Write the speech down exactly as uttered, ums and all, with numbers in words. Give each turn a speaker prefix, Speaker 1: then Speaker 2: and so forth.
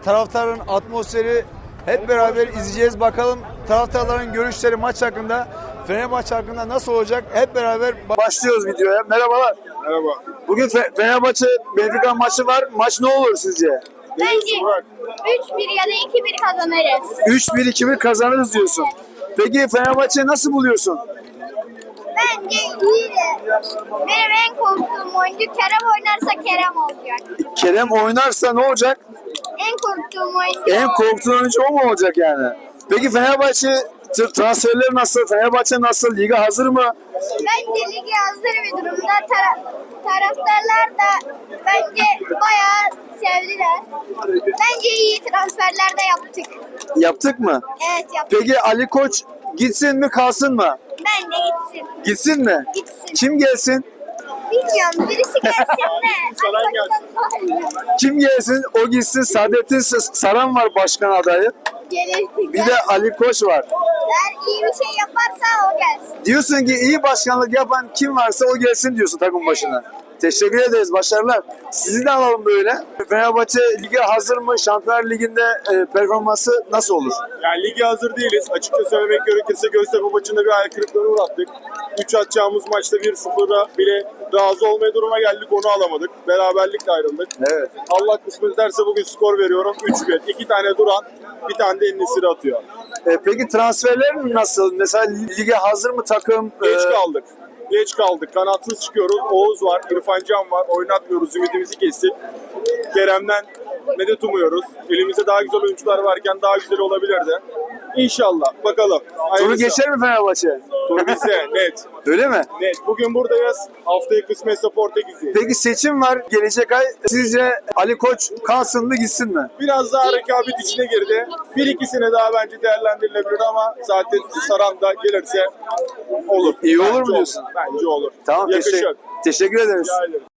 Speaker 1: taraftarın atmosferi hep beraber izleyeceğiz. Bakalım taraftarların görüşleri maç hakkında, Fenerbahçe hakkında nasıl olacak? Hep beraber başlıyoruz videoya. Merhabalar.
Speaker 2: Merhaba.
Speaker 1: Bugün Fe- Fenerbahçe Benfica maçı var. Maç ne olur sizce?
Speaker 3: Bence üç bir ya da iki bir kazanırız.
Speaker 1: üç bir iki bir kazanırız diyorsun. Peki Fenerbahçe'yi nasıl buluyorsun?
Speaker 3: Bence iyi de benim en korktuğum oyuncu Kerem oynarsa Kerem olacak.
Speaker 1: Kerem oynarsa ne olacak?
Speaker 3: En korktuğum oyuncu
Speaker 1: En
Speaker 3: o.
Speaker 1: korktuğun oyuncu o mu olacak yani? Peki Fenerbahçe t- transferleri nasıl? Fenerbahçe nasıl? Liga hazır mı?
Speaker 3: Bence ligi hazır bir durumda. Tara- taraftarlar da bence bayağı sevdiler. Bence iyi transferler de yaptık.
Speaker 1: Yaptık mı?
Speaker 3: Evet yaptık.
Speaker 1: Peki Ali Koç gitsin mi kalsın mı?
Speaker 3: Bence gitsin.
Speaker 1: Gitsin mi?
Speaker 3: Gitsin.
Speaker 1: Kim gelsin?
Speaker 3: Bilmiyorum birisi gelsin de.
Speaker 2: Saran gelsin.
Speaker 1: Kim gelsin? O gitsin. Saadettin S- Saran var başkan adayı.
Speaker 3: Gelir.
Speaker 1: Bir de Ali Koç var.
Speaker 3: Eğer iyi bir şey yaparsa o gelsin.
Speaker 1: Diyorsun ki iyi başkanlık yapan kim varsa o gelsin diyorsun takım başına. Teşekkür ederiz. Başarılar. Sizi de alalım böyle. Fenerbahçe lige hazır mı? Şampiyonlar Ligi'nde e, performansı nasıl olur?
Speaker 2: Yani lige hazır değiliz. Açıkça söylemek gerekirse Göztepe maçında bir hayal kırıklığına uğrattık. üç atacağımız maçta bir sıfıra bile razı olmaya duruma geldik. Onu alamadık. Beraberlikle ayrıldık.
Speaker 1: Evet.
Speaker 2: Allah kısmet ederse bugün skor veriyorum. üç bir. İki tane Duran, bir tane de En-Nesyri atıyor.
Speaker 1: E, peki transferler nasıl? Mesela lige hazır mı takım?
Speaker 2: Geç
Speaker 1: E,
Speaker 2: kaldık. Geç kaldık. Kanatsız çıkıyoruz. Oğuz var, İrfan Can var. Oynatmıyoruz. Ümidimizi kestik. Kerem'den medet umuyoruz. Elimizde daha güzel oyuncular varken daha güzel olabilirdi. İnşallah. Bakalım.
Speaker 1: Turu
Speaker 2: Hayırlısı.
Speaker 1: geçer mi Fenerbahçe?
Speaker 2: Tur bizde. Net.
Speaker 1: Öyle mi?
Speaker 2: Net. Bugün buradayız. Haftaya kısmetse Portekiz'i.
Speaker 1: Peki seçim var gelecek ay. Sizce Ali Koç kalsın mı gitsin mi?
Speaker 2: Biraz daha rekabet içine girdi. Bir ikisine daha bence değerlendirilebilir ama zaten Saran da gelirse olur.
Speaker 1: İyi olur
Speaker 2: Bence
Speaker 1: mu diyorsun?
Speaker 2: Bence olur.
Speaker 1: Tamam
Speaker 2: Yakışır.
Speaker 1: teşekkür, teşekkür ederiz.
Speaker 2: Rica ederim.